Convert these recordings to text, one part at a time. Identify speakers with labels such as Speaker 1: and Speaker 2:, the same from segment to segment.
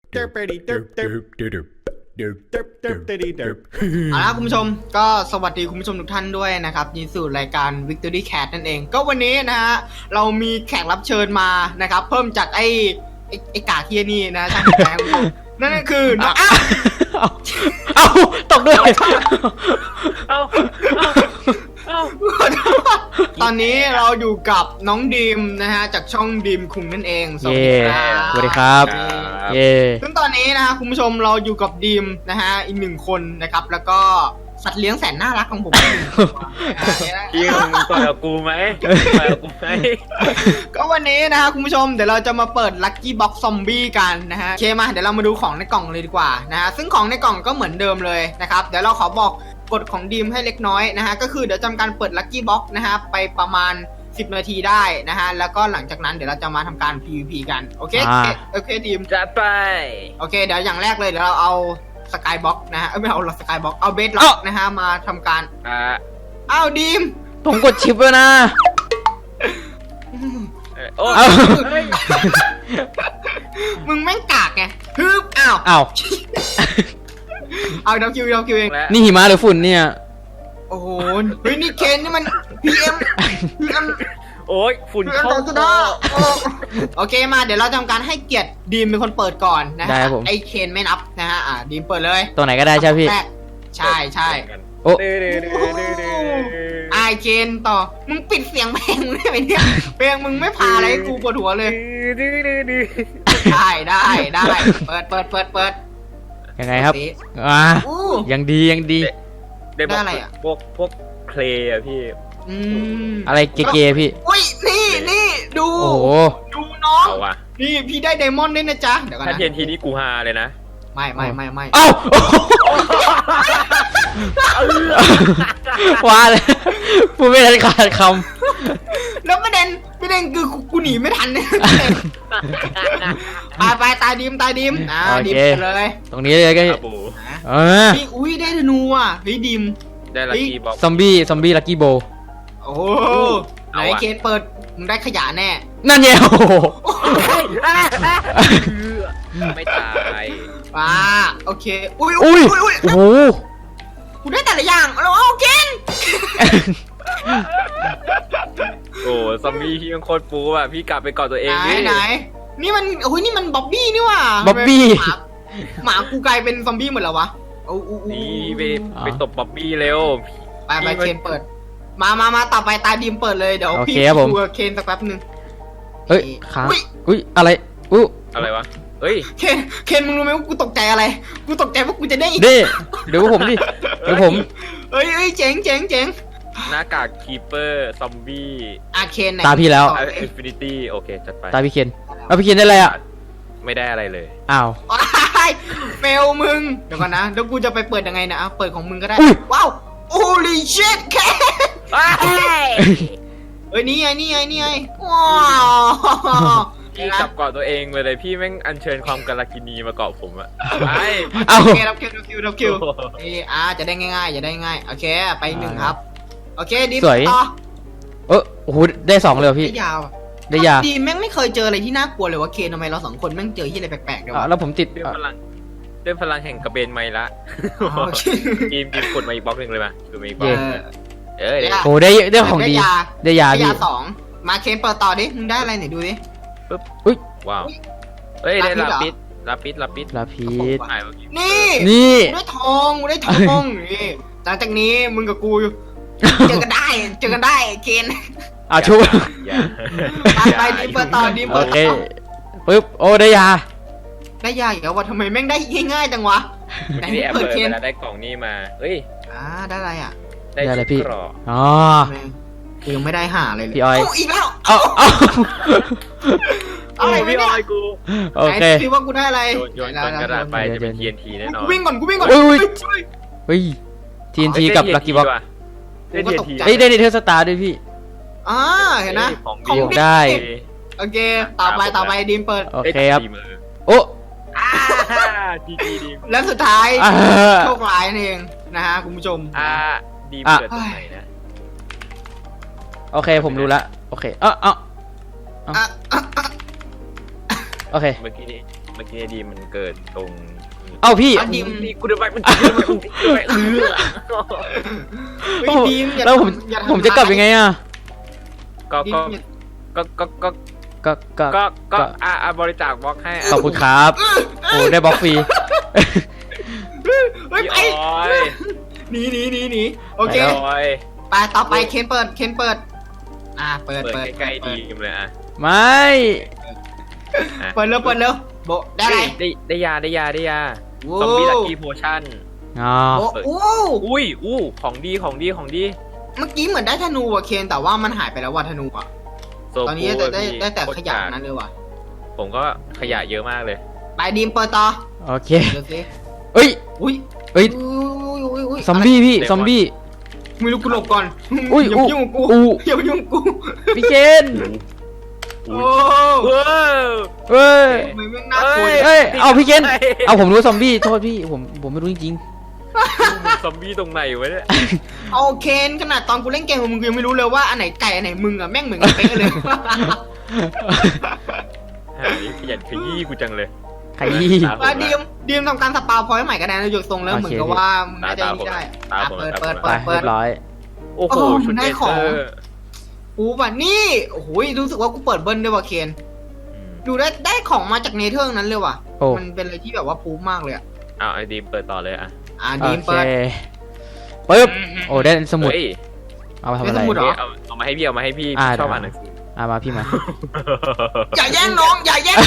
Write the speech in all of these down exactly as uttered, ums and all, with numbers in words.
Speaker 1: เอาละคุณผู้ชมก็สวัสดีคุณผู้ชมทุกท่านด้วยนะครับยินดีสู่รายการ Victory Cat นั่นเองก็วันนี้นะฮะเรามีแขกรับเชิญมานะครับเพิ่มจากไอ้ไอ้ไอ้กาเทียนี่นะช่างแขกนั่นก็คือน้องอ้าว
Speaker 2: เอาตกด้วยเอา
Speaker 1: ตอนนี้เราอยู่กับน้องดีมนะฮะจากช่องดีมคุงนั่นเองสวัสดีครับ
Speaker 2: สวัสดีครับเย่
Speaker 1: ซึ่งตอนนี้นะฮะคุณผู้ชมเราอยู่กับดีมนะฮะอีกหนึ่งคนนะครับแล้วก็สัตว์เลี้ยงแสนน่ารักของผม
Speaker 3: พี่มึงปล่อยกับกูไหมปล่อยกับกูไหม
Speaker 1: ก็วันนี้นะฮะคุณผู้ชมเดี๋ยวเราจะมาเปิดลัคกี้บ็อกซ์ซอมบี้กันนะฮะโอเคมาเดี๋ยวเรามาดูของในกล่องเลยดีกว่านะฮะซึ่งของในกล่องก็เหมือนเดิมเลยนะครับเดี๋ยวเราขอบอกกฎของดีมให้เล็กน้อยนะฮะก็คือเดี๋ยวจำการเปิดลัคกี้บ็อกซ์นะฮะไปประมาณสิบนาทีได้นะฮะแล้วก็หลังจากนั้นเดี๋ยวเราจะมาทำการ พี วี พี กันโอเคโอเคดีม
Speaker 3: จัดไป
Speaker 1: โอเคเดี๋ยวอย่างแรกเลยเดี๋ยวเราเอาสกายบ็อกนะฮะไม่เอาหรอกสกายบ็อกเอาเบสล็อกนะฮะมาทำการ
Speaker 3: อ่า
Speaker 1: อ้าวดีม
Speaker 2: ผมกดชิปแล้วนะ
Speaker 3: โอ้
Speaker 1: มึงแม่งกากไงฮึบอ้าว
Speaker 2: อ้าว
Speaker 1: เอาดาวคิวดาวคิวเอง
Speaker 2: นี่หิมะหรือฝุ่นเนี่ย
Speaker 1: โอ้โหเฮ้ยนี่เคนนี่มัน พี เอ็ม พี เอ็ม
Speaker 3: โอ้ยฝุ่นเข้า
Speaker 1: โอเคมาเดี๋ยวเราทำการให้เกียรติดีมเป็นคนเปิดก่อนนะฮะไอเคนไม่นับนะฮะอ่าดีมเปิดเลย
Speaker 2: ตัวไหนก็ได้ใช่พี่
Speaker 1: ใช่ใช่
Speaker 2: โอ้
Speaker 1: ไอเคนต่อมึงปิดเสียงเพลงมึงได้ไหมเนี่ยเพลงมึงไม่พาอะไรกูปวดหัวเลยได้ได้ได้เปิดเปิดเปิดเปิด
Speaker 2: ยังไงครับอ่ายังดียังดี
Speaker 1: ได้อะไรอ่ะ
Speaker 3: พวกพวกเคลย์อะพี่
Speaker 2: อะไรเก๋ๆพี่
Speaker 1: อุ้ยนี่นี่ดู
Speaker 2: โอ้โห
Speaker 1: ดูน้องนี่พี่ได้ไดมอนด์ด้วยนะจ๊ะเดี๋ยวก่อนนะ
Speaker 3: ถ้าเทียนทีนี้กูฮาเลยนะ
Speaker 1: ไม่ไม่ไม่ไม่
Speaker 2: เอ้าว่าเลยพูดไม่ทันขาดค
Speaker 1: ำแล้วประเด็นประเด็นคือกูหนีไม่ทันเนี่ยไปไปตายดิมตายดิมอ่าดิมเลย
Speaker 2: ตรงนี้เลยก็เออ
Speaker 1: พี่อุ้ยได้ธนูอ่ะเฮ้ยดิม
Speaker 3: ได้ลัคกี้บ็อกซ์
Speaker 2: ซอมบี้ซอมบี้ลัคกี้โบ
Speaker 1: โอ้ไหนเคนเปิดมึงได้ขยะแน่
Speaker 2: นั่นไงโอ้โห
Speaker 3: ไม่ตาย
Speaker 1: ป้าโอเคอุ้ย
Speaker 2: อุ้ยโอ้โห
Speaker 1: กูได้แต่ละอย่างแล้วเอาเคน
Speaker 3: โอ้ซอมบี้ที่ยังโคตรปูอ่ะพี่กลับไปก่อนตัวเอง
Speaker 1: ไหนไหนนี่มันโอ้ยนี่มันบ๊อบบี้นี่ว่ะ
Speaker 2: บ๊อบบี้
Speaker 1: หมากูกลายเป็นซอมบี้หมดแล้ววะ
Speaker 3: นี่ไปไปตบบ๊อบบี้เร็ว
Speaker 1: ไปไปเคนเปิดมามามาต่อไปตาดีมเปิดเลยเดี๋ยวพี่ดูเคนสักแป๊บนึง
Speaker 2: เฮ้ยค้างอุ้ยอะไรอู้
Speaker 3: อะไรวะเฮ้ย
Speaker 1: เคนเคนมึงรู้ไหมว่ากูตกใจอะไรกูตกใจว่ากูจะได้
Speaker 2: ดิเดี๋ยวผมดิเดี๋ยวผม
Speaker 1: เฮ้ยเฮ้ยเจ๋งเจ๋งเจ๋ง
Speaker 3: หน้ากากคีเปอร์ซอมบี้
Speaker 1: อาเคน
Speaker 2: ตาพี่แล้ว
Speaker 3: อินฟินิตี้โอเคจัดไป
Speaker 2: ตาพี่เคนเอาพี่เคนได้อะไรอ่ะ
Speaker 3: ไม่ได้อะไรเลย
Speaker 2: อ้าว
Speaker 1: เฟลมึงเดี๋ยวก่อนนะเดี๋ยวกูจะไปเปิดยังไงนะเปิดของมึงก็ได้ว้าวโอ้ลิชิตแค่เอ้ยนี่ไงนี่ไงนี่ไงว้าว
Speaker 3: พี่จับเกาะตัวเองไปเลยพี่แม่งอัญเชิญความกาลกินีมาเกาะผมอะไป
Speaker 1: โอเครับคิวรับคิวรับคิวเอออ่าจะได้ง่ายๆจะได้ง่ายโอเคไปหนึ่งครับโอเคดี
Speaker 2: สวยเออโอ้โหได้สองเลยพี่
Speaker 1: ได้ยาว
Speaker 2: ได้ยาว
Speaker 1: ดีแม่งไม่เคยเจออะไรที่น่ากลัวเลยว่าเคนทำไมเราสองคนแม่งเจอที่อะไรแปลกๆเลยวะ
Speaker 2: แล้วผมติด
Speaker 3: ด้วยพลังด้วยพลังแห่งกระเบนไมละกีมกีมกดมาอีกบล็อกหนึ่งเลยป่ะดูมาอีกบล็อกเออ
Speaker 2: โอ้ได้ได้ของดีได้ยา
Speaker 1: พี่สองมาเคนเปิดต่อดิมึงได้อะไรไหนดูดิ
Speaker 3: ปึ๊บอุ้ยว้าวเฮ้ยได้ลาปิดลาปิดลาปิด
Speaker 2: ลาปิด
Speaker 1: นี่
Speaker 2: นี่
Speaker 1: ได้ทองได้ทองนี่หลังจากนี้มึงกับกูเจอกันได้เจอกันได้เคน
Speaker 2: อ่ะชุบ
Speaker 1: ไปดิเปิดต่อดิเปิด
Speaker 2: โอเคปึ๊บโอ้ได้ยา
Speaker 1: ได้ยาอีกแล้ววะทำไมแม่งได้ง่ายๆจังวะ
Speaker 3: ไหนเปิดเคนได้กล่องนี้มาเฮ้ย
Speaker 1: อ่าได้อะไรอ่ะ
Speaker 2: ได้อะไรพี่อ๋อ
Speaker 1: ยังไม่ได้หาเลย
Speaker 2: พี่อ้อย
Speaker 1: อีกแล้ว
Speaker 2: เอาเอา
Speaker 1: อะไร
Speaker 3: พี่อ้อยกู
Speaker 2: โอเค
Speaker 1: คิดว่ากูได้อะไร
Speaker 3: โยนกระดาษไปจะเป็น ที เอ็น ที แน่นอน
Speaker 1: วิ่งก่อนกูวิ่งก่อน
Speaker 2: เฮ้ย ที เอ็น ที กับลัคกี้บ็อก
Speaker 3: ได้ ที เอ็น ที
Speaker 2: เฮ้ยได้เทอร์สตาร์ด้วยพี่
Speaker 1: อ่าเห็นนะ
Speaker 2: ของได้
Speaker 1: โอเคต่อไปต่อไปดีมเปิด
Speaker 2: โอเคครับโอ้
Speaker 3: ดีดีดี
Speaker 1: แล้วสุดท้ายโชคร้ายนั่นเองนะฮะคุณผู้ชม
Speaker 3: อ่าดีเปิดตรงไหนนะ
Speaker 2: โอเคผมรู้ละโอเคเออเออโอเค
Speaker 3: เมื่อกี้นี้เมื่อกี้ดีมันเกิดตรง
Speaker 2: เอ้าพี่
Speaker 1: อ่ะดิม
Speaker 3: นี่กูเดินไปมันกูเดินไปมันกูเดินไปเออ
Speaker 1: เฮ้ยดิมอย่า
Speaker 2: แล้วผม
Speaker 1: ทำอย่าทำ
Speaker 2: ผมจะกลับยังไงอ่ะ
Speaker 3: ก็
Speaker 1: ดิ
Speaker 3: ก็
Speaker 1: มอย่า
Speaker 3: ก็ก็ก็
Speaker 2: ก็ก็
Speaker 3: ก็ก็
Speaker 2: ก็
Speaker 3: อ่ะอ่ะบริจาคบล็อกให้
Speaker 2: ขอบคุณครับโอ้ได้บล็อกฟรี
Speaker 1: เฮ้ย
Speaker 3: พี่
Speaker 1: ไป
Speaker 3: ออย
Speaker 1: หนีหนีหนีหนีโอเค
Speaker 3: พี่ออย
Speaker 1: ไปต่อไปเคนเปิดเคนเปิด อ่าเปิด
Speaker 3: เปิด
Speaker 1: เปิด
Speaker 3: ใกล้ๆ
Speaker 1: เปิ
Speaker 3: ดี
Speaker 1: ด
Speaker 3: มเลยอ่ะ
Speaker 2: ไม่
Speaker 3: อ่ะ
Speaker 1: เปิดเร็วเปิดเร็วโบะได้อะไร
Speaker 3: ได้ได้ยาได้ยาได้ยา
Speaker 1: โว้
Speaker 3: ซอมบี้ลักกี้โพชั่น
Speaker 2: อ๋อ
Speaker 1: โบะโอ้
Speaker 3: อุ้ยอู้ของดีของดีของดี
Speaker 1: เมื่อกี้เหมือนได้ธนูว่ะเคนแต่ว่ามันหายไปแล้วว่ะธนูอ่ะ
Speaker 3: โซ
Speaker 1: ตอนนี้
Speaker 3: คู
Speaker 1: ได้ได้
Speaker 3: พี่
Speaker 1: ได้แต่
Speaker 3: โค
Speaker 1: ข
Speaker 3: ตร
Speaker 1: ยะ
Speaker 3: กาก
Speaker 1: นั้นเลยว่ะ
Speaker 3: ผมก็ขยะเยอะมากเลย
Speaker 1: ไปดีมเปิดต่อ
Speaker 2: โอเค
Speaker 1: เดี๋ยวสิ
Speaker 2: เอ้ย
Speaker 1: อุ้ย
Speaker 2: เอ้ย
Speaker 1: อุ้ยอุ้ยอุ้ย
Speaker 2: ซอมบี้พี่ซอมบี้
Speaker 1: ไม่รู้กูหลบก่อน
Speaker 2: อุ้ย
Speaker 1: อย่า
Speaker 2: อู้
Speaker 1: มายุ่งกับกู
Speaker 2: อู้
Speaker 1: อย่ามายุ่งกับกู
Speaker 2: พี่เคน
Speaker 1: โอ้
Speaker 3: ว้าว
Speaker 2: เอ้ย
Speaker 1: ทำไมแม่งน่ากลัว
Speaker 3: เอ้ย
Speaker 2: เอ้ยเอาพี่เคนเอาผมรู้ซอมบี้โทษพี่ผมผมไม่รู้จริง
Speaker 3: ซอมบี้ตรงไหนวะเนี่ย
Speaker 1: เอาเคนขนาดตอนกูเล่นเกมกับมึงกูยังไม่รู้เลยว่าอันไหนไก่อันไหนมึงอ่ะแม่งเหมือนกันเป๊ะเลย
Speaker 3: หาขยันขยี้กูจังเลย
Speaker 2: ๆขยี้
Speaker 1: ว่าดีมดีมทำการสปาพอยต์ใหม่กันนะอยู่ทรงแล้ว
Speaker 2: โอเค
Speaker 1: เหมือนกับว่าน่าจะ
Speaker 3: ตาม
Speaker 1: นี่ได้
Speaker 3: ตาม
Speaker 1: อ่ะ
Speaker 3: ผม
Speaker 1: เปิด
Speaker 3: ตาม
Speaker 1: เปิด
Speaker 3: ผม
Speaker 2: ไป
Speaker 1: เปิดเปิด
Speaker 2: เรียบร้อย
Speaker 3: โอ้โห
Speaker 1: โอ้โห
Speaker 3: ชุด
Speaker 1: ได้
Speaker 3: เล
Speaker 1: ของ
Speaker 3: เซอร์
Speaker 1: กูแบบนี่โอ้โหรู้สึกว่ากูเปิดเบิ้ลด้วยว่ะเคนดูได้ได้ของมาจากเนเธอร์นั้นเลยว่ะ
Speaker 2: โอ้
Speaker 1: มันเป็นอะไรที่แบบว่าปูมากเลยอ่ะ
Speaker 3: อ้าวไอ้ดีมเปิดต่อเลยอ่ะ
Speaker 1: อ่ะ
Speaker 2: โอ
Speaker 1: ดีม
Speaker 2: เค
Speaker 1: เปิด
Speaker 2: ปึ๊บโอ้ได้สมุด
Speaker 3: เฮ้ย
Speaker 2: เอามาทำ
Speaker 1: ได้
Speaker 2: อะไร
Speaker 1: สมุดเหรอ
Speaker 3: เอาเอามาให้พี่เอามาให้พี่
Speaker 2: อ่า
Speaker 3: ชอบ
Speaker 2: ได้
Speaker 3: อ่านหนังสือ
Speaker 2: อ่ามาพี่มา
Speaker 1: อย่าแย่งน้องอย่าแย่ง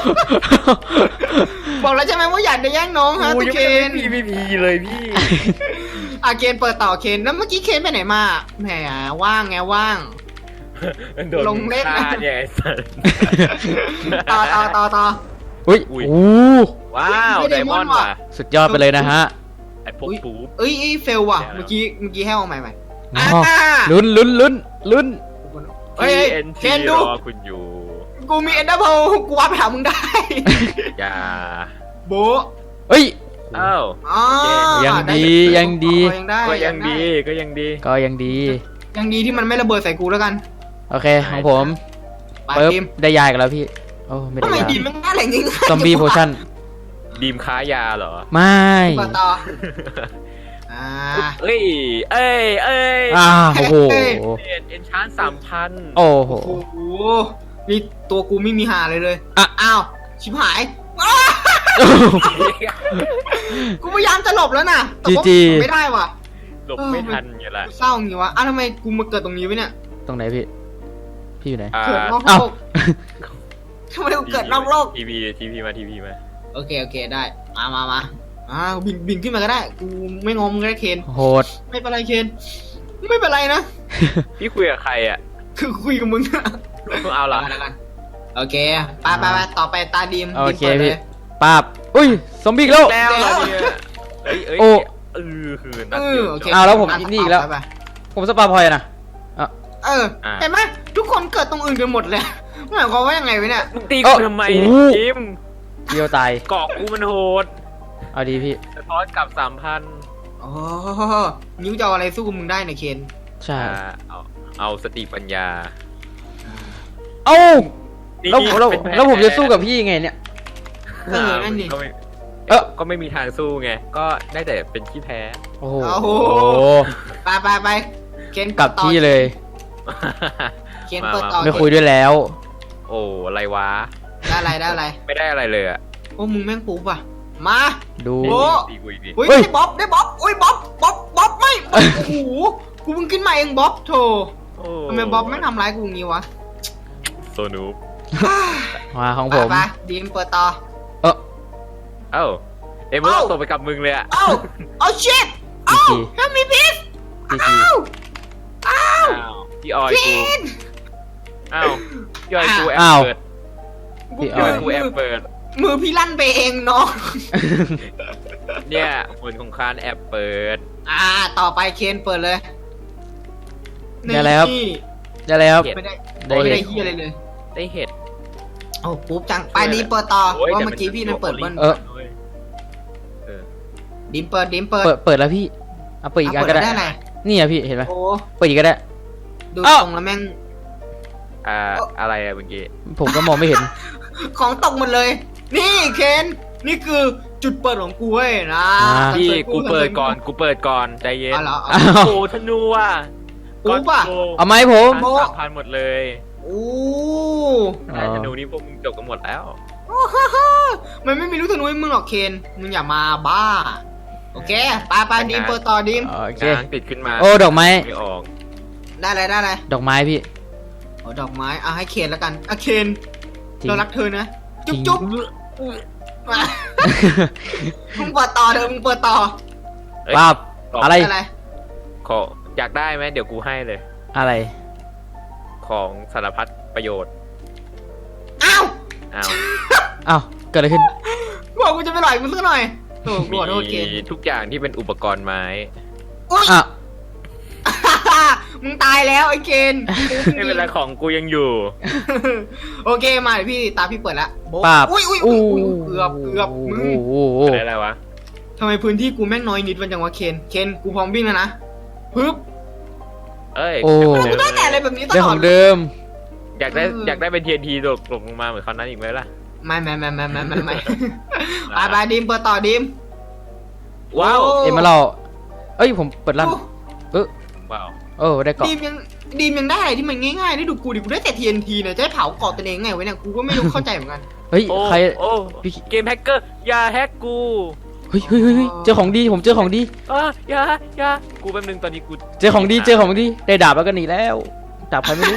Speaker 1: บอกแล้วใช่ไหมว่าอย่าได้แย่งน้องฮะ
Speaker 3: โอ้
Speaker 1: ตุ
Speaker 3: ย
Speaker 1: เคน
Speaker 3: พี่พี่พีเลยพี่
Speaker 1: อ่ะเคนเปิดต่อเคนแล้วเมื่อกี้เคนไปไหนมาแหมว่างไงว่าง
Speaker 3: โดน
Speaker 1: ลงเล่น
Speaker 3: ฆ่าเนี่ยไอ้สัส
Speaker 1: ต่อต่อต่อต่อ
Speaker 2: อุ้ย
Speaker 3: อุ้ย
Speaker 2: โอ้
Speaker 3: ว้าว
Speaker 1: ไม่
Speaker 3: ได
Speaker 1: ได้
Speaker 3: มอนด์
Speaker 1: ว่ะ
Speaker 3: ว่ะ
Speaker 2: สุดยอดไปเลยนะฮะ
Speaker 3: ไอ้พวก
Speaker 1: อุ๊ย
Speaker 3: ปู
Speaker 1: เอ้ยเอ้ยเฟลว่ะ
Speaker 3: เดี๋ยว
Speaker 1: เมื่อกี้เมื่อกี้ให้เอาใหม่ใหม่
Speaker 2: อ๋อ
Speaker 1: อ่า
Speaker 2: ลุ้นลุ้นลุ้นลุ้น
Speaker 1: เฮ้ย
Speaker 3: เอ็น
Speaker 1: เค
Speaker 3: ที
Speaker 1: น
Speaker 3: ร
Speaker 1: ดู
Speaker 3: อคุณอยู่
Speaker 1: กูมีเอ็นดับเบิลกูว่าไปหามึงได้
Speaker 3: อย่า
Speaker 1: โบะ
Speaker 2: เอ้ย
Speaker 3: อ้าว
Speaker 1: อ๋อ
Speaker 2: ยังดี
Speaker 1: ไ
Speaker 2: ยังดี
Speaker 1: อ๋อยังได้
Speaker 3: ก็ยังดีก็ยังดี
Speaker 2: ก็ยังดี
Speaker 1: ยังดีที่มันไม่ระเบิดใส่กูแล้วกัน
Speaker 2: โอเคของผม
Speaker 1: ไป
Speaker 2: ปึ๊บ
Speaker 1: ทีม
Speaker 2: ได้ยาอีกันแล้วพี่ โอ้ไม่ได้
Speaker 1: ทำไม
Speaker 2: ยา
Speaker 1: ดีมมันง่ายอะไรงี้
Speaker 2: ซอมบี้โพชั่น
Speaker 3: ดีมค้ายาเหรอ
Speaker 2: ไม่
Speaker 1: ต่อต่ออ่า
Speaker 3: เอ้ย เอ้ย เอ้ย
Speaker 2: อ้าวโอ้โห
Speaker 1: เฮ้ย
Speaker 3: เอ็นเอ็นชานสามพัน
Speaker 2: โอ้โห
Speaker 1: โอ้โหนี่ตัวกูไม่มีหาเลยเลย
Speaker 2: อ่ะ
Speaker 1: อ้าวชิบหายอ้ากูพยายามจะหลบแล้วนะแต่ว่า
Speaker 2: จีจี
Speaker 1: ไม่ได้ว่ะ
Speaker 3: หลบไม่ทันไงล่ะ
Speaker 1: เศร้าอย่างงี้วะอ้าวทำไมกูมาเกิดตรงนี้วะเนี่ย
Speaker 2: ตรงไหนพี่ พี่อยู่ไหน
Speaker 3: อ่า
Speaker 1: เกิดนอกโล
Speaker 2: อ้าว
Speaker 1: กทำไมกูเกิดนอกโลก
Speaker 3: ทีวีทีวีมาทีวีมา
Speaker 1: โอเคโอเคได้มามามาอ่าบินบินขึ้นมาก็ได้กูไม่งอมก็ได้เคน
Speaker 2: โหด
Speaker 1: ไม่เป็นไรเคนไม่เป็นไรนะ
Speaker 3: พี่คุยกับใครอ่ะ
Speaker 1: คือคุยกับมึงอะ
Speaker 3: เพิ่งเอาเหรอ
Speaker 1: แล้วกันโอเคไปไปไปต่อไปตาดีม
Speaker 2: โอ
Speaker 1: ดีม
Speaker 2: เค
Speaker 1: เปิดเล
Speaker 2: พี่
Speaker 1: ย
Speaker 2: ป้าบอุ้ย ซอมบี้อีกแล้ว
Speaker 3: แล้วเหรอเนี่ยเอ้ยเอ้ย
Speaker 2: โอ้
Speaker 3: เออคือนัด
Speaker 1: เอ
Speaker 3: เดี
Speaker 1: อ
Speaker 3: ยว
Speaker 1: โอเค
Speaker 3: จบ
Speaker 2: อ้าวแล้วผม
Speaker 1: อ่ะ
Speaker 2: นี่อีกแล้ว
Speaker 1: ไปไป
Speaker 2: ผมสปาพอยนะ
Speaker 1: เออ
Speaker 3: อ่ะ
Speaker 1: เห็นไหมทุกคนเกิดตรงอื่นกันหมดเลยหมายความว่ายังไงวะเนี่ย
Speaker 3: มึงตี
Speaker 2: เอ้า
Speaker 3: กูทำไม
Speaker 2: โอ้
Speaker 3: เนี่ย
Speaker 2: โห
Speaker 3: จิม
Speaker 2: เดียวตาย
Speaker 3: เกาะกูมันโหด
Speaker 2: เอาดีพี่
Speaker 3: สะท้อนกลับสามพัน
Speaker 1: โอ้นิ้วจะเอาอะไรสู้กับมึงได้เนี่ยเคน
Speaker 2: ใช่
Speaker 3: เอาเอาสติปัญญา
Speaker 2: เอ้า
Speaker 3: นี่
Speaker 2: แล้วแล้ว
Speaker 3: เป็นผ
Speaker 2: แล้วผมจะสู้กับพี่ยังไงเนี่ย
Speaker 1: เออนั่นดิ
Speaker 3: ก็ไม่
Speaker 2: เออ
Speaker 3: ก็ไม่มีทางสู้ไง ก็ได้แต่เป็นขี้แพ้
Speaker 2: โอ้โห
Speaker 1: โอ้โห ไปไปไปเคน
Speaker 2: กลับที่เลย
Speaker 1: เคนเปิดต่อ
Speaker 2: ไม่คุยด้วยแล้ว
Speaker 3: โอ้อะไรวะ
Speaker 1: ได้อะไรได้อะไร
Speaker 3: ไม่ได้อะไรเลยอ่ะ
Speaker 1: โอ้มึงแม่งปุ๊บอ่ะมา
Speaker 2: ดู
Speaker 1: โอ้
Speaker 3: ตีกูอีกดิ
Speaker 1: อุ้ย
Speaker 2: เฮ้ย
Speaker 1: ได้บ๊อบได้บ๊อบอุ้ยบ๊อบบ๊อบบ๊อบไม่โอ้โหกูเพิ่งขึ้นมาเองบ๊อบโธ่
Speaker 3: โอ้
Speaker 1: ทำไมบ๊อบไม่ทำร้ายกูอย่างงี้วะ
Speaker 3: โซนูป
Speaker 2: มาของ
Speaker 1: ไป
Speaker 2: ผม
Speaker 1: ไปดีมเปิดต่อ
Speaker 2: เออ
Speaker 3: เอ้าเอ็มเบอ
Speaker 1: เอ้า
Speaker 3: ร์ตกไปกับมึงเลยอ่ะ
Speaker 1: เอ้าเอาชิตเอ้า
Speaker 2: จี
Speaker 1: ถ้ามีพิษ
Speaker 2: จีจี
Speaker 1: เอ้าเอ้า
Speaker 3: อ้าวพี่ออย
Speaker 1: พิ
Speaker 3: กู
Speaker 1: ษ
Speaker 3: อ้าวพี่ออยกูแอบ
Speaker 2: อ้าว
Speaker 3: เปิด
Speaker 2: พี่อ
Speaker 3: พี่อ
Speaker 2: อ
Speaker 3: อย ยกูแอบเปิด
Speaker 1: มือพี่ลั่นไปเองน้อง
Speaker 3: เนี่ยผลของคานแอบเปิด
Speaker 1: อ่าต่อไปเคนเปิดเลย
Speaker 2: ได้แล้วครับ
Speaker 1: นี่
Speaker 2: ได้แล้วครับ
Speaker 1: ไม่ได้
Speaker 2: ได้
Speaker 1: ไม่
Speaker 2: เล
Speaker 1: ได้
Speaker 2: ย
Speaker 1: เฮียอะไรเลย
Speaker 3: ได้เห็ด
Speaker 1: โอ้ปุ๊บจังไปดีมเปิดต่อ
Speaker 3: โอ้ย
Speaker 1: ว่า
Speaker 3: แต่
Speaker 1: เมื่อกี้พี่นั่นเปิดเบิ้ล
Speaker 2: เออ
Speaker 3: เออ
Speaker 1: ดีมเปิดดีมเปิด
Speaker 2: เปิดเปิดแล้วพี่เอาเปิดอีกอันก็ได้
Speaker 1: เปิดได้อะไร
Speaker 2: นี่อะพี่เห็นไหม
Speaker 1: โอ้
Speaker 2: เปิดอีกก็ได้
Speaker 1: ดู
Speaker 2: เอ้า
Speaker 1: ตรงแล้วแม่ง
Speaker 3: อ่าอะไรอะเมื่อกี้
Speaker 2: ผมก็มองไม่เห็น
Speaker 1: ของตกหมดเลยนี่เคนนี่คือจุดเปิดของกูเว้ยนะ
Speaker 3: พี่กูเปิดก่อนกูเปิดก่อนใจเย็น
Speaker 1: อ๋อเหรอ
Speaker 2: อ้าว
Speaker 3: โอ้ธนูอ่ะ
Speaker 1: กูป่ะ
Speaker 2: เอาไหมผม
Speaker 3: พันสามพันหมดเลย
Speaker 1: โอ้
Speaker 3: แต่ธนูนี่พวกมึงจบกันหมดแล้ว
Speaker 1: มันไม่มีลูกธนูให้มึงหรอกเคนมึงอย่ามาบ้าโอเคไปไปดีมเปิดต่อดีม
Speaker 2: โอเค
Speaker 3: กลางติดขึ้นมา
Speaker 2: โอ้ดอกไม้
Speaker 3: ไม่ออก
Speaker 1: ได้เลยได้เลย
Speaker 2: ดอกไม้พี่
Speaker 1: โอ้ดอกไม้เอาให้เคนแล้วกันอ่ะเคน
Speaker 2: จริง
Speaker 1: เรารักเธอนะจุ๊บ
Speaker 2: จริง
Speaker 1: จุ๊บมามึงเปิดต่อเถอะมึงเปิดต่อ
Speaker 3: เอ้ย
Speaker 2: ป้าบ
Speaker 3: ต่ออ
Speaker 2: อะไร
Speaker 1: อะไร
Speaker 3: ขออยากได้ไหมเดี๋ยวกูให้เลย
Speaker 2: อะไร
Speaker 3: ของสารพัดประโยชน์
Speaker 1: อ้าว
Speaker 3: อ้าว
Speaker 2: อ้าวเกิดอะไรขึ้น
Speaker 1: บอกกูจะไปหล่อยมึงสักหน่อยโอ้กูขอโทษเคน
Speaker 3: มีทุกอย่างที่เป็นอุปกรณ์ไม้
Speaker 1: อุ๊ย
Speaker 2: อ่ะ
Speaker 1: มึงตายแล้วไอ้เคน
Speaker 3: ไม่เป็นไรของกูยังอยู่
Speaker 1: โอเคมาเดี๋ยวพี่ตามพี่เปิดละโบ๊ะ
Speaker 2: ป้าบ
Speaker 1: อุ้ยอุ้ย
Speaker 2: อู้
Speaker 1: อุ้ยเกือบเกือบมึง
Speaker 2: โอ้โห
Speaker 3: อะไรอะไรวะ
Speaker 1: ทำไมพื้นที่กูแม่งน้อยนิดวันจังวะเคนเคนกูพร้อมวิ่งแล้วนะปึ๊บ
Speaker 3: เอ้ย
Speaker 2: โอ้
Speaker 1: กูได้แต่อะไรแบบนี้ต
Speaker 2: เรื่อง
Speaker 1: ล
Speaker 2: ข
Speaker 1: อ
Speaker 2: อ
Speaker 1: ด
Speaker 2: งเดิม
Speaker 3: อยากได้
Speaker 1: เออ
Speaker 3: อ
Speaker 1: อ
Speaker 3: ยากได้เป็น ที เอ็น ที ตกลงมาเหมือนคราวนั้นอีกไหมล่ะ
Speaker 1: ไม่ไม่ไม่ไม่ไม่ไม่ไม่ไปไปดิมเปิดต่อดิม
Speaker 3: ว้าว
Speaker 1: โ
Speaker 2: เอ็มมาเราเอ้ยผมเปิดลั่นเออ
Speaker 3: ว้าว
Speaker 2: เออได้เกาะ
Speaker 1: ดีมยังดีมยังได้อะไรที่มันง่ายๆได้ดูกูดิกูได้แต่ ที เอ็น ที เนี่ยจะให้เผาเกาะตัวเองไงวะเนี่ยกูก็ไม่รู้เข้าใจเหมือนกัน
Speaker 2: เฮ้ย
Speaker 3: โอ้
Speaker 2: ใคร
Speaker 3: โอ้
Speaker 2: พี่
Speaker 3: เกมแฮกเกอร์อย่าแฮกกู
Speaker 2: เฮ้ยเฮ้ยเฮ้ยเฮ้ยเจอของดีผมเจอของดี
Speaker 3: อ่ะอย่าอย่ากูแป๊บนึงตอนนี้กู
Speaker 2: เจอของดีเจอของดีได้ดาบแล้วก็หนีแล้วดาบใครไม่รู้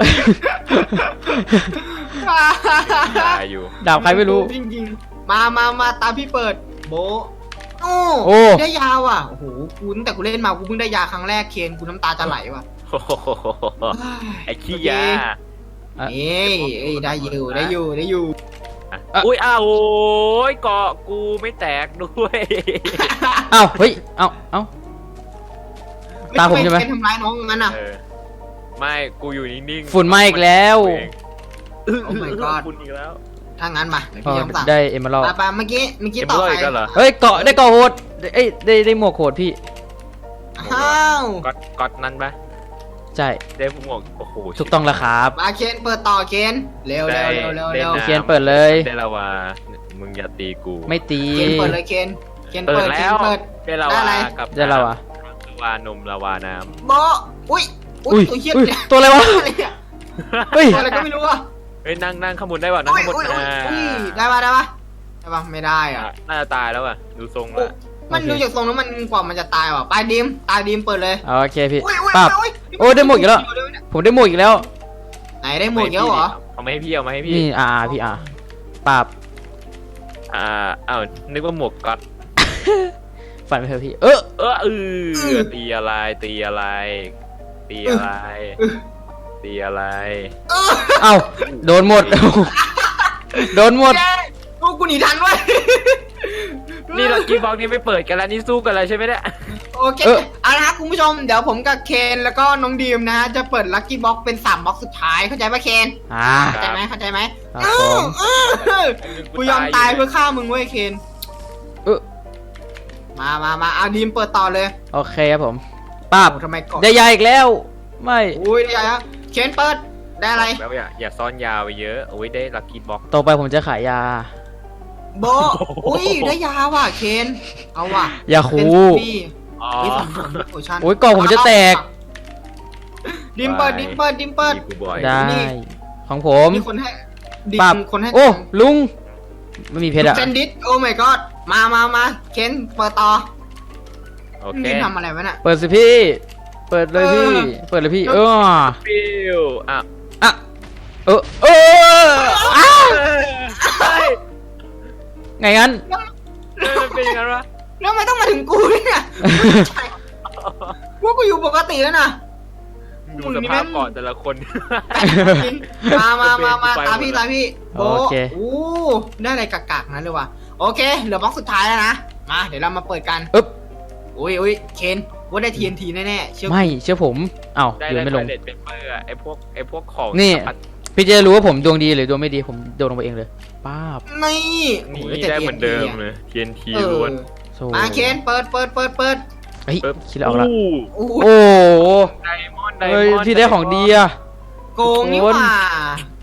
Speaker 3: อย่าอยู่
Speaker 2: ดาบใครไม่รู้
Speaker 1: จริงๆมามามาตามพี่เปิดโบะโอ้
Speaker 2: โอ้
Speaker 1: ได้ยาวอ่ะโอ้โหกูตั้งแต่กูเล่นมากูเพิ่งได้ยาครั้งแรกเคนกูน้ำตาจะไหลว่ะ
Speaker 3: โอ้โหไอ้ขี้ยา
Speaker 2: อ่ะ
Speaker 1: เอ้ยเอ้ยได้อยู่ได้อยู่ได้อยู่
Speaker 3: อ่ะ
Speaker 2: อ่ะ
Speaker 3: อุ้ยอ้าวโอ้ยเกาะกูไม่แตกด้วย
Speaker 2: เอ้าเฮ้ยเอ้าเอ้า ตามผมใช่ไหม
Speaker 1: เป็นทำร้ายน้องมันอ่ะ
Speaker 3: เออไม่กูอยู่นิ่งๆ
Speaker 2: ฝุ่นไหม้อีกแล้ว
Speaker 1: โอ้ my god
Speaker 3: ฝุ่นอีกแล้ว
Speaker 1: ถ้างั้นมาเดี๋ยว
Speaker 2: อ๋อ
Speaker 1: พี่ยังสั่ง
Speaker 2: ได้เอ็มมาเรา
Speaker 1: ไปไปเมื่อกี้เมื่อกี้
Speaker 3: เอ็ม
Speaker 1: ต่อ
Speaker 3: ร้อย
Speaker 1: ไป
Speaker 3: อีกแล้วเหรอ
Speaker 2: เฮ้ยเกาะได้เกาะโหดเอ้ยได้ได้หมวกโหดพี่
Speaker 1: อ้าว
Speaker 3: ก๊อตก๊อตนั้นปะ
Speaker 2: ใช่
Speaker 3: ได้หมวกโอ้โห
Speaker 2: ถูกต้องแล้วครับ
Speaker 1: มาเคนเปิดต่อเคนเร็วเร็วเร็วเร็วเร็ว
Speaker 3: ได้
Speaker 2: เขียนเปิดเลย
Speaker 3: ได้ละว่ามึงอย่าตีกู
Speaker 2: ไม่ตี
Speaker 1: เคนเปิดเลยเคนเคน
Speaker 3: เปิ
Speaker 1: เปิ
Speaker 3: ด
Speaker 1: ด
Speaker 3: แล้
Speaker 1: เคน
Speaker 3: ว
Speaker 1: เปิด
Speaker 3: ได้ละ
Speaker 1: ได้อะไร
Speaker 3: วากับ
Speaker 2: ได้แล้วอ่ะ
Speaker 3: ละวานมละวาน้
Speaker 1: โบะอุ้ย
Speaker 2: อุ้ย
Speaker 1: ตัวเหี้ย
Speaker 2: อุ้ยตัวอะไรวะ
Speaker 1: อะไรเนี่ย
Speaker 3: ำ
Speaker 2: เฮ้ย
Speaker 1: ตัวอะไรก็ไม่รู้อ่ะ
Speaker 3: เฮ้ยนั่งนั่งข้างบนได้ป่ะนั่ง
Speaker 1: อุ้ย
Speaker 3: ข้างบน
Speaker 1: อุ้ยอุ้ย
Speaker 3: อ่า
Speaker 1: อุ้ยได้ปะได้ปะได้ปะไม่ได้อ่ะ
Speaker 3: น่าจะตายแล้วอ่ะดูทรง
Speaker 1: โอ้
Speaker 3: ละ
Speaker 1: มัน
Speaker 2: โอเค
Speaker 1: ดูจากทรงแล้วมันกว่ามันจะตายว่ะไปดิมตายดิมเปิดเลย
Speaker 2: โอเคพี่
Speaker 1: อุ้ยอุ้ย
Speaker 2: ปั๊บ
Speaker 1: อุ้ย
Speaker 2: โอ้ได้หมวกอีกแล้ว ผมได้หมวกอีกแล้ว
Speaker 1: ไหนได้หมวกเยอะเหรอ
Speaker 3: เอามาให้พี่เอามาให้พี่
Speaker 2: นี่อ่าพี่อ่าปราบ
Speaker 3: อ่าอ้าวนึกว่าหมวกก๊อต
Speaker 2: ฝันไปเถอะพี่ เออ
Speaker 3: เออเออตีอะไรตีอะไรตีอะไรตีอะไร
Speaker 1: เออ
Speaker 2: เอ้าโดนหมด โดนหมด
Speaker 1: แย่พวกกูหนีทันเว้ย
Speaker 3: นี่ลักกี้บ็อกนี่ไม่เปิดกันแล้วนี่สู้กันแล้วใช่ไหมเนี่ย
Speaker 1: โอเค
Speaker 2: เออ
Speaker 1: เอาละครับคุณผู้ชมเดี๋ยวผมกับเคนแล้วก็น้องดีมนะฮะจะเปิดลัคกี้บ็อกเป็นสามบ็อกสุดท้ายเข้าใจปะเคน
Speaker 2: อ่า
Speaker 1: เข้าใจไหมเข้าใจไหม
Speaker 2: ครับ
Speaker 1: เอ
Speaker 2: ผ
Speaker 1: อ
Speaker 2: ม
Speaker 1: เออกูยอมตายเพื่อฆ่ามึงเว้ยเคน
Speaker 2: เออ
Speaker 1: มามามาเอาดีมเปิดต่อเลย
Speaker 2: โอเคครับผมปราบ
Speaker 1: โอ้ทำไมก่อน
Speaker 2: ได้ยาอีกแล้ว ไม่
Speaker 1: อุ้ยได้ยังเคนเปิดได้อะไร
Speaker 3: แล้วอย่าอย่าซ่อนยาวไปเยอะโอ้ยได้ลักกี้บ็อก
Speaker 2: ต่อไปผมจะขายยา
Speaker 1: โบะอุ้ยได้ยาว่ะเคนเอาว่ะ
Speaker 2: ยาคู
Speaker 1: เป็นซี่
Speaker 3: อ๋อ
Speaker 1: นี่สำคัญโอชั่น
Speaker 2: โอ้ยกล่องผมจะแตก
Speaker 1: ดิมเปิดดิมเปิดดิมเปิด
Speaker 3: มีกูบอย
Speaker 2: ได้
Speaker 1: นี่
Speaker 2: ของผม
Speaker 1: มีคนให้ดิ
Speaker 2: ปราบ
Speaker 1: มคนให้
Speaker 2: โอ้ลุงไม่มีเพชรอะ
Speaker 1: เซนดิสโอ้ my god มามามาเคนเปิดต่อ
Speaker 3: โอเค
Speaker 1: นี่ทำอะไรวะเนี่ย
Speaker 2: เปิดสิพี่ เปิดเลยพี่
Speaker 1: เออ
Speaker 2: เปิดเลยพี่ เออ
Speaker 3: ฟิวอ่ะ
Speaker 2: อ่ะเออเอออ้า
Speaker 3: เฮ้ย
Speaker 2: ไงงั้น
Speaker 3: เออมันเป็นยังไงวะ
Speaker 1: แล้วทำไม่ต้องมาถึงกูเนี่ยใช่ว่ากูอยู่ปกติแล้วนะ
Speaker 3: ดูสภาพก่อนแต่ละคน
Speaker 1: มามามามา
Speaker 3: ไปหมด
Speaker 1: ตามพี่ตามพี่โบ
Speaker 2: โอเค
Speaker 1: โอ้ได้อะไรกากๆนั้นเลยว่ะโอเคเหลือบล็อกสุดท้ายแล้วนะมาเดี๋ยวเรามาเปิดกัน
Speaker 2: อึ๊บ
Speaker 1: อุ้ยอุ้ยเคนว่าได้ ที เอ็น ที แน่ๆเชื่อกู
Speaker 2: ไม่เชื่อผมเอ้า
Speaker 3: ได้
Speaker 2: ยืน
Speaker 3: ได้
Speaker 2: ไม่ลง
Speaker 3: เด็ดเป็นเปอร์ไอพวกไอพวกของ
Speaker 2: นี่
Speaker 3: สารพัด
Speaker 2: พี่จะรู้ว่าผมดวงดีหรือดวงไม่ดีผมโดนลงไปเองเลยป้าบ
Speaker 1: นี่
Speaker 3: นี่
Speaker 1: โอ้ยแต่
Speaker 3: ได้เหมือนเดิม
Speaker 1: ที
Speaker 3: เลย ที เอ็น ที
Speaker 1: เออ
Speaker 3: ล้วน
Speaker 2: โซ่
Speaker 1: มาเคนเปิดเปิดเปิดเปิด
Speaker 2: เฮ้ย
Speaker 3: ปึ๊บ
Speaker 2: คิดแล้วออกละ
Speaker 3: อู้
Speaker 1: โอ้โห
Speaker 2: โอ้โห
Speaker 3: ไดมอนด์ไดม
Speaker 2: เฮ้ย
Speaker 3: อนด์
Speaker 2: พี่ได้ของดีอะ
Speaker 1: โกงนี่หว่า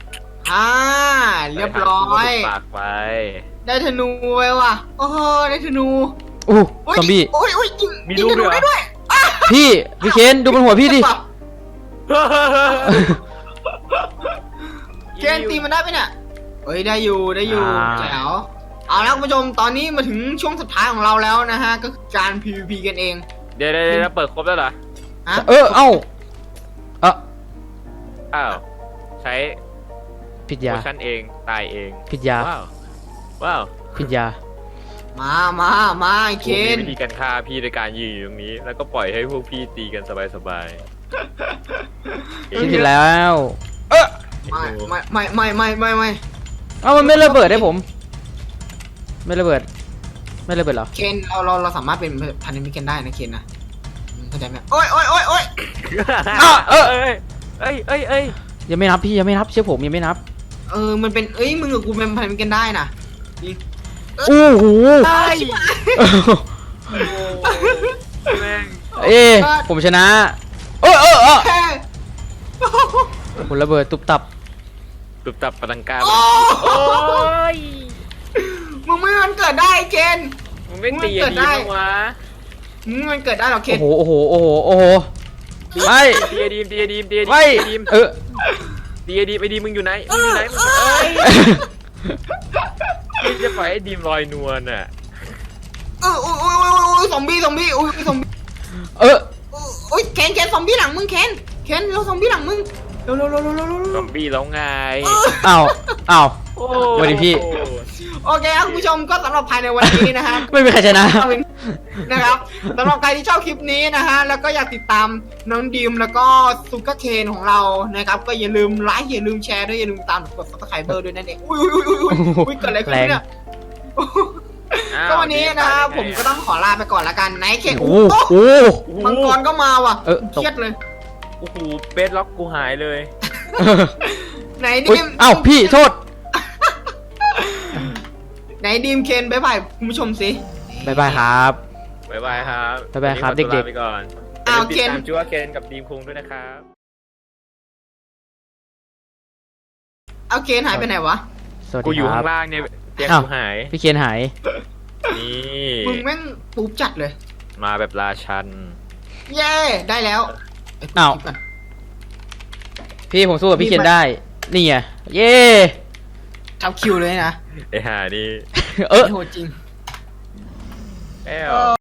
Speaker 1: อ่าเรียบร้อย
Speaker 3: ปากไป
Speaker 1: ได้ธนูไว้ว่ะโอ้โหได้ธนู
Speaker 2: อู้
Speaker 1: โอ้ย
Speaker 2: ซอมบี้
Speaker 1: โอ้ยโอ้ยยิง
Speaker 3: มี
Speaker 1: ยิง
Speaker 3: ลูก
Speaker 1: ธนู
Speaker 3: ด้วยเหรอ
Speaker 1: ได้ด้วย
Speaker 2: พี่พี่เคนดูบนหัวพี่ดิ
Speaker 1: เกนตีมันได้ไหมเนี่ยเฮ้ยได้อยู่ได้อยู่
Speaker 2: อ่า
Speaker 1: แจ๋วเอาละคุณผู้ชมตอนนี้มาถึงช่วงสุดท้ายของเราแล้วนะฮะก็คือการ พี วี พี กันเอง
Speaker 3: เดี๋ยวเดี๋ยวเดี๋ยวเปิดครบแล้วเหรอ
Speaker 1: ฮะ
Speaker 2: เออเอ้าเออ
Speaker 3: อ้าวใช้
Speaker 2: ผิด
Speaker 3: โพ
Speaker 2: ยา
Speaker 3: ชั่นเองตายเอง
Speaker 2: ผิดยา
Speaker 3: ว้าวว้าว
Speaker 2: ผิดยา
Speaker 1: มามามาไอ้เค
Speaker 3: กูมี
Speaker 1: น
Speaker 3: วิธีการฆ่าพี่โดยการยืนอยู่ตรงนี้ แล้วก็ปล่อยให้พวกพี่ตีกันสบายๆ
Speaker 2: คิดผิดแล้ว เออ
Speaker 1: ไม่ไม่ไม่ไม่ไม่ไม่ไม่
Speaker 2: เอ้ามันไม่ระเบิดให้ผม ไม่ระเบิด ไม่ระเบิดเหรอ
Speaker 1: เคนเราเราเราสามารถเป็นพันธมิตรกันได้นะเคนนะอืมเข้าใจไหมโอ้ยโอ้ยโอ้ยโอ้ย
Speaker 2: อ้าวเออ
Speaker 3: เอ้ยเอ้ยเอ้ยเอ้ย
Speaker 2: ยังไม่นับพี่ยังไม่นับเชื่อผมยังไม่นับ
Speaker 1: เออมันเป็นเอ้ยมึงกับกูเป็นพันธมิตรกันได้นะจริง
Speaker 2: โอ้โห
Speaker 1: ได้
Speaker 3: แม่ง
Speaker 2: เอ้ผมชนะ เออเออเออ
Speaker 1: แค่
Speaker 2: ผมระเบิดตุบตับ
Speaker 3: ตุบตับปะตังกา
Speaker 1: โอ้
Speaker 3: โอ้ย
Speaker 1: มึงไม่มันเกิดได้เคน
Speaker 3: มึงไม่ตีอันนี้บ้างวะ
Speaker 1: มึงมันเกิดได้หรอเคน
Speaker 2: โอ้โหโอ้โหโอ้โหโอ้โหไม่
Speaker 3: ตีไอดีมตีไอดีมตีไอดีม
Speaker 2: ไม่
Speaker 3: ตีไอดีม
Speaker 2: เออ
Speaker 3: ตีไอดีมไอดีมมึงอยู่ไหนมึงอยู่ไหนมึงเอ้ยมึงจะปล่อยไอดีมลอยนวลน่ะ
Speaker 1: เออโอ้ยโอ้ยโอ้ยโอ้ยซอมบี้ซอมบี้โอ้ยซอมบี้
Speaker 2: เออ
Speaker 1: โอ้ยเคนเคนซอมบี้หลังมึงเคนเคนเราซอมบี้หลังมึงเร็วเร็วเร็วเร็วเร็วเร็ว
Speaker 3: ซอมบี้แล้วไง
Speaker 2: อ้าวอ้าว
Speaker 3: โอ้
Speaker 2: สวัสดีพี่
Speaker 1: โอเคครับคุณผู้ชมก็สำหรับภายในวันนี้นะฮะ
Speaker 2: ไม่มีใครชนะ
Speaker 1: นะครับสำหรับใครที่ชอบคลิปนี้นะฮะแล้วก็อยากติดตามน้องดีมแล้วก็ซูเปอร์เคนของเรานะครับก็อย่าลืมไลค์อย่าลืมแชร์ด้วยอย่าลืมตามกดซับสไครเบอร์ด้วยนั่นเองอุ้ยอุ้ยอุ้ยอุ้ยอุ้ยเกิดอะไรขึ้นเนี่ย
Speaker 3: อ้า
Speaker 1: ก็วันนี้นะผมก็ต้องขอลาไปก่อนละกันไหนเคน
Speaker 2: โอ้
Speaker 1: โอ้
Speaker 2: โห
Speaker 3: โอ้โห
Speaker 1: มังกรก็มาว่ะ
Speaker 2: เออ
Speaker 1: เครียดเลย
Speaker 3: โอ้โหเบสล็อกกูหายเลย
Speaker 1: ไหน
Speaker 2: อุ๊
Speaker 1: ดี
Speaker 2: ย
Speaker 1: ม
Speaker 2: อ้าวพี่โทษ
Speaker 1: ไหนดีมเคนบ๊ายบายคุณผู้ชมสิ
Speaker 2: บายบายครับ
Speaker 3: บ๊ายบายครับ
Speaker 2: บ๊ายบายครับ
Speaker 3: วันนี้ขอตัว
Speaker 2: เด็กๆ
Speaker 3: ลาไปก่อน
Speaker 1: อ้าว
Speaker 3: อย่ลืม
Speaker 1: เคน
Speaker 3: ติดตามจูว่าเคนกับดีมคุงด้วยนะครับ
Speaker 1: เอาเคนหายไปไหนวะ
Speaker 2: สวัส
Speaker 3: กู
Speaker 2: ดี
Speaker 3: อยู่
Speaker 2: ครั
Speaker 3: ข้า
Speaker 2: บ
Speaker 3: งล่างเนี่ยเตียง
Speaker 2: อ้าว
Speaker 3: กูหาย
Speaker 2: พี่เคนหาย
Speaker 3: นี่
Speaker 1: มึงแม่งปุ๊บจัดเลย
Speaker 3: มาแบบราชัน
Speaker 1: เย้ได้แล้วไ
Speaker 2: อ้าว
Speaker 1: คลิปก่น
Speaker 2: พี่ผมสู้กับพี่เคนได้ นี่ไง เย้
Speaker 1: ทับคิวเลยนะ
Speaker 3: ไอ้ห่านี่
Speaker 2: เออ
Speaker 1: โหดจริง
Speaker 3: แอ้ว